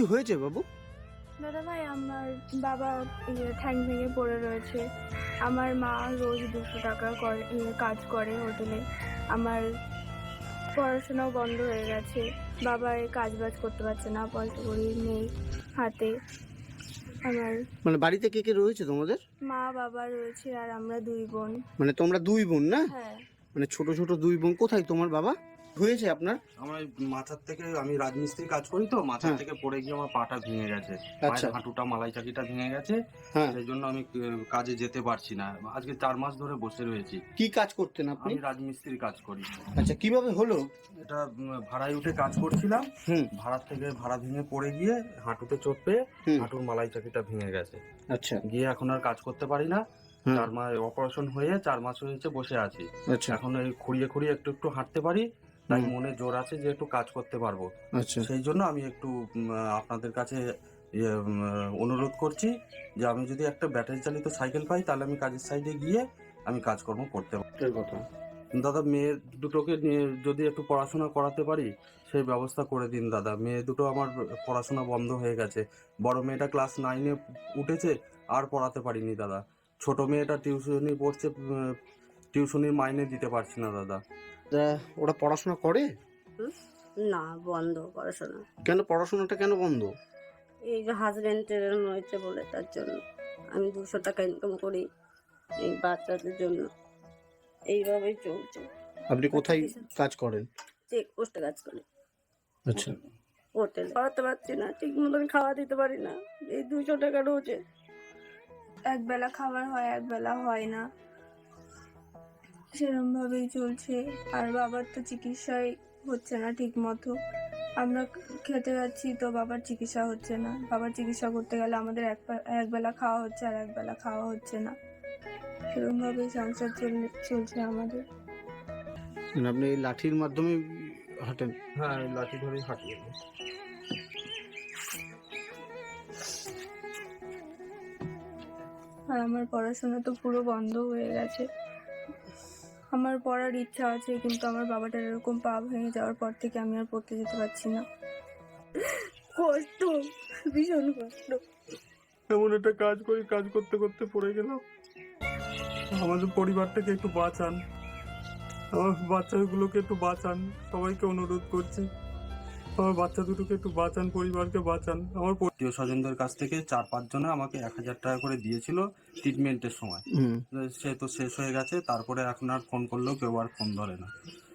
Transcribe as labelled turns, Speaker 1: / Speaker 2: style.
Speaker 1: হয়েছে বাবু?
Speaker 2: দাদা ভাই, আমার বাবা ঠ্যাং ভেঙে পড়ে রয়েছে। আমার মা রোজ 200 টাকা কাজ করে হোটেলে। আমার পড়াশোনাও বন্ধ হয়ে গেছে। বাবা কাজ বাজ করতে পারছে না, পয়সা কড়ি নেই হাতে। আমার
Speaker 1: মানে বাড়িতে কে কে রয়েছে তোমাদের?
Speaker 2: মা বাবা রয়েছে আর আমরা 2 বোন।
Speaker 1: মানে তোমরা 2 বোন না?
Speaker 2: হ্যাঁ।
Speaker 1: মানে ছোট ছোট 2 বোন। কোথায় তোমার বাবা হয়েছে আপনার?
Speaker 3: আমার মাথার থেকে, আমি রাজমিস্ত্রি কাজ করি তো, মাথার
Speaker 1: হ্যাঁ।
Speaker 3: থেকে পড়ে গিয়ে আমার পাটা ভেঙে গেছে,
Speaker 1: আচ্ছা।
Speaker 3: পায়ের হাঁটুটা, মালাই চাকিটা ভেঙে গেছে।
Speaker 1: হ্যাঁ।
Speaker 3: সেই জন্য আমি কাজে যেতে পারছি না। আজকে 4 মাস ধরে বসে রয়েছি।
Speaker 1: কি কাজ করতেন আপনি?
Speaker 3: আমি রাজমিস্ত্রি কাজ করি।
Speaker 1: আচ্ছা, কিভাবে হলো
Speaker 3: এটা ভাড়ায় উঠে কাজ করছিলাম।
Speaker 1: হুম।
Speaker 3: ভাড়ার থেকে ভাড়া ভেঙে পড়ে গিয়ে হাঁটুতে চোট পেয়ে
Speaker 1: হুম।
Speaker 3: হাঁটুর মালাই চাকিটা ভেঙে গেছে।
Speaker 1: আচ্ছা।
Speaker 3: গিয়ে এখন আর কাজ করতে পারি না।
Speaker 1: হুম।
Speaker 3: 4 মাস অপারেশন হয়ে 4 মাস হয়েছে বসে আছি।
Speaker 1: আচ্ছা।
Speaker 3: এখন এই খুঁড়িয়ে খুঁড়িয়ে একটু একটু হাঁটতে পারি, তাই
Speaker 1: হুম।
Speaker 3: মনে জোর আছে যে একটু কাজ করতে পারবো।
Speaker 1: আচ্ছা।
Speaker 3: সেই জন্য আমি একটু আপনাদের কাছে অনুরোধ করছি যে আমি যদি একটা ব্যাটারি চালিত সাইকেল পাই, তাহলে আমি কাজের সাইডে গিয়ে আমি কাজকর্ম করতে পারবো।
Speaker 1: কথা।
Speaker 3: দাদা, মেয়ে দুটোকে নিয়ে যদি একটু পড়াশোনা করাতে পারি সেই ব্যবস্থা করে দিন দাদা। মেয়ে দুটো আমার পড়াশোনা বন্ধ হয়ে গেছে। বড় মেয়েটা ক্লাস 9-এ উঠেছে, আর পড়াতে পারিনি দাদা। ছোট মেয়েটা টিউশনি পড়ছে, টিউশনির মাইনে দিতে পারছি না দাদা।
Speaker 1: ওরা পড়াশোনা করে?
Speaker 4: না, বন্ধ পড়াশোনা।
Speaker 1: কেন পড়াশোনাটা কেন বন্ধ?
Speaker 4: এই যে হাজবেন্ডের হয়েছে বলে, তার জন্য। আমি 200 টাকা ইনকাম করি এই বাচ্চাদের জন্য, এইভাবেই চলছে।
Speaker 1: আপনি কোথায় কাজ করেন?
Speaker 4: চেক পোস্টে কাজ করি,
Speaker 1: আচ্ছা।
Speaker 4: হোটেল পড়াতে পারছি না, ঠিক মতন খাওয়া দিতে পারি না, এই 200 টাকা রোজে।
Speaker 2: একবেলা খাবার হয়, একবেলা হয় না, সেরকম ভাবেই চলছে। আর বাবার তো চিকিৎসাই হচ্ছে না ঠিক মতো। আমরা খেতে যাচ্ছি তো বাবার চিকিৎসা হচ্ছে না। বাবার চিকিৎসা করতে গেলে আমাদের একবেলা খাওয়া হচ্ছে আর একবেলা খাওয়া হচ্ছে না। সেরকম ভাবেই সংসার চলছে আমাদের।
Speaker 1: মানে আপনি এই লাঠির মাধ্যমে হাঁটেন?
Speaker 3: হ্যাঁ, লাঠি ধরেই হাঁটি।
Speaker 2: আর আমার পড়াশোনা তো পুরো বন্ধ হয়ে গেছে। আমার পড়ার ইচ্ছা আছে, কিন্তু আমার বাবাটার এরকম পা ভেঙে যাওয়ার পর থেকে আমি আর পড়তে যেতে পারছি না। কষ্ট, ভীষণ কষ্ট।
Speaker 3: এমন একটা কাজ করি, কাজ করতে করতে পড়ে গেলাম। আমাদের পরিবারটাকে একটু বাঁচান, আমার বাচ্চাগুলোকে একটু বাঁচান, সবাইকে অনুরোধ করছি। আমার বাচ্চা দুটোকে একটু বাঁচান, পরিবারকে বাঁচান। আমার আত্মীয় স্বজনদের কাছ থেকে 4-5 জনে আমাকে 1000 টাকা করে দিয়েছিল ট্রিটমেন্টের সময়। সে তো শেষ হয়ে গেছে। তারপরে এখন আর ফোন করলেও কেউ আর ফোন ধরে না।